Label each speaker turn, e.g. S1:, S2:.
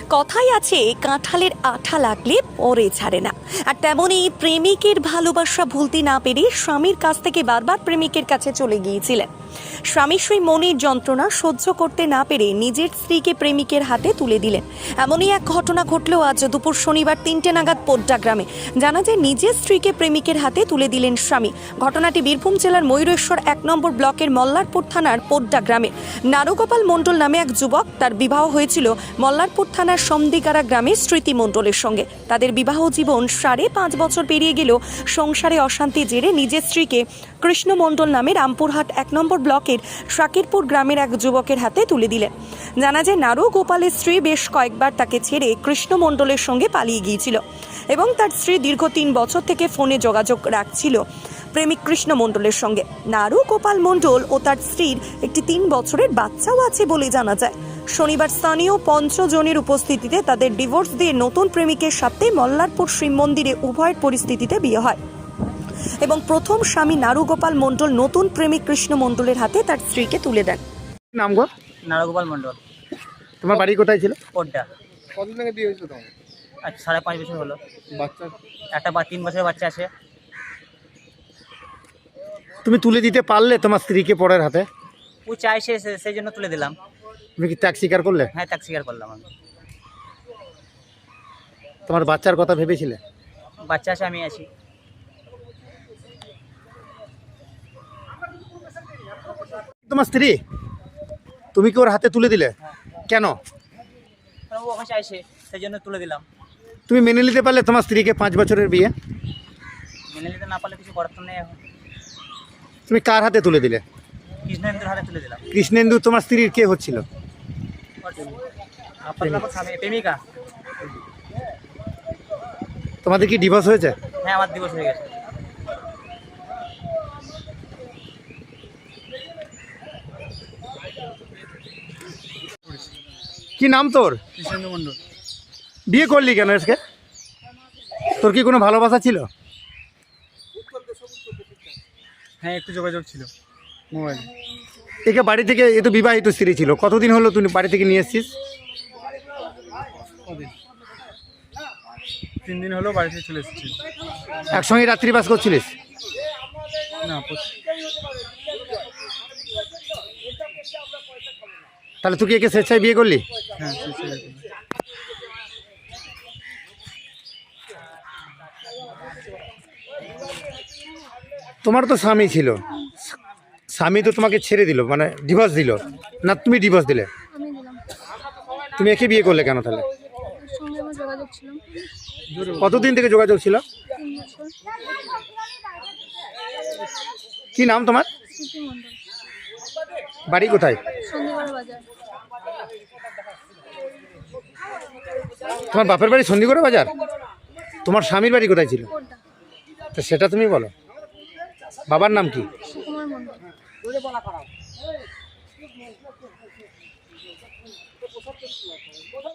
S1: কথাই আছে কাঁঠালের আঠা লাগলে পরে ছাড়ে না। আর তেমনই প্রেমিকের ভালোবাসা ভুলতে না পেরে স্বামীর কাছ থেকে বারবার প্রেমিকের কাছে চলে গিয়েছিলেন। স্বামী সেই মনের যন্ত্রণা সহ্য করতে না পেরে নিজের স্ত্রীকে প্রেমিকের হাতে তুলে দিলেন। এমনই এক ঘটনা ঘটলেও আজ দুপুর শনিবার 3টে নাগাদ পোড্ডা গ্রামে। জানা যায় নিজের স্ত্রীকে প্রেমিকের হাতে তুলে দিলেন স্বামী। ঘটনাটি বীরভূম জেলার ময়ূরেশ্বর 1 নম্বর ব্লকের মল্লারপুর থানার পোড্ডা গ্রামে। নারুগোপাল মণ্ডল নামে এক যুবক, তার বিবাহ হয়েছিল মল্লারপুর থানার সমদিগারা গ্রামের স্মৃতি মণ্ডলের সঙ্গে। তাদের বিবাহ জীবন 5.5 বছর পেরিয়ে গেলেও সংসারে অশান্তি জেরে নিজের স্ত্রীকে কৃষ্ণ মণ্ডল নামে রামপুরহাট 1 নম্বর ব্লকের শাকিরপুর গ্রামের এক যুবকের হাতে তুলে দিলেন। জানা যায় নারু গোপালের স্ত্রী বেশ কয়েকবার তাকে ছেড়ে কৃষ্ণ মণ্ডলের সঙ্গে পালিয়ে গিয়েছিল এবং তার স্ত্রী দীর্ঘ 3 বছর থেকে ফোনে যোগাযোগ রাখছিল প্রেমিক কৃষ্ণ মণ্ডলের সঙ্গে। নারু গোপাল মণ্ডল ও তার স্ত্রীর একটি 3 বছরের বাচ্চাও আছে বলে জানা যায়। শনিবার স্থানীয় 5 জনের উপস্থিতিতে তাদের ডিভোর্স দিয়ে নতুন প্রেমিকের সাথে মল্লারপুর শিব মন্দিরে উভয়ের পরিস্থিতিতে বিয়ে হয় এবং প্রথম স্বামী নারুগোপাল মণ্ডল নতুন প্রেমিক কৃষ্ণ মণ্ডলের হাতে তার স্ত্রীকে তুলে দেন।
S2: নাম গো?
S3: নারগোপাল মণ্ডল।
S2: তোমার বাড়ি কোথায় ছিল?
S3: পোড্ডা।
S2: কতদিন আগে বিয়ে হয়েছিল তোমার?
S3: আজ 5.5 বছর হলো।
S2: বাচ্চা?
S3: একটা 3 বছরের বাচ্চা আছে।
S2: তুমি তুলে দিতে পারলে তোমার স্ত্রীকে পরের হাতে?
S3: ও চাইছে সেই জন্য তুলে দিলাম।
S2: তুমি কি ত্যাগ স্বীকার করলে?
S3: হ্যাঁ, ত্যাগ স্বীকার করলাম আমি।
S2: তোমার বাচ্চার কথা ভেবেছিলে?
S3: বাচ্চা আছে, আমি আছি।
S2: তোমার স্ত্রী, তুমি কি ওর হাতে তুলে দিলে? কেন?
S3: কারণ ও ওখানে চাইছে সেই জন্য তুলে দিলাম।
S2: তুমি মেনে নিতে পারলে তোমার স্ত্রীকে 5 বছরের বিয়ে?
S3: মেনে নিতে না পারলে কিছু করার তো নেই এখন।
S2: তুমি কার হাতে তুলে দিলে?
S3: কৃষ্ণেন্দ্রের হাতে তুলে দিলাম।
S2: কৃষ্ণেন্দু তোমার স্ত্রীর কে হচ্ছিল?
S3: প্রেমিকা।
S2: তোমাদের কি ডিভোর্স হয়েছে?
S3: হ্যাঁ, আমার দিবস হয়ে গেছে।
S2: কি নাম তোর?
S3: কৃষ্ণেন্দু মণ্ডল।
S2: বিয়ে করলি কেন আজকে? তোর কি কোনো ভালোবাসা ছিল?
S3: হ্যাঁ, একটু যোগাযোগ ছিল মোবাইলে।
S2: একে বাড়ি থেকে, এ তো বিবাহিত স্ত্রী ছিল, কতদিন হলো তুমি বাড়ি থেকে নিয়ে এসছিস?
S3: 3 দিন হলো বাড়ি থেকে চলে এসেছি।
S2: একসঙ্গে রাত্রিবাস করছিলিস?
S3: না,
S2: তাহলে তুই কি একে স্বেচ্ছায় বিয়ে করলি?
S3: হ্যাঁ।
S2: তোমার তো স্বামী ছিল, স্বামী তো তোমাকে ছেড়ে দিল, মানে ডিভোর্স দিল না? তুমি ডিভোর্স দিলে?
S4: আমি দিলাম।
S2: তুমি একে বিয়ে করলে কেন তাহলে?
S4: ওর সঙ্গে আমার যোগাযোগ ছিল
S2: কতদিন থেকে যোগাযোগ ছিল?
S4: 3 বছর।
S2: কি নাম তোমার?
S4: স্মৃতি মণ্ডল।
S2: বাড়ি কোথায়?
S4: সন্ধিগড় বাজার।
S2: তোমার বাপের বাড়ি সন্ধিগড় বাজার? তোমার স্বামীর বাড়ি কোথায় ছিল?
S4: পোড্ডা।
S2: তো সেটা তুমি বলো। বাবার নাম কি?
S4: সুকুমার মণ্ডল।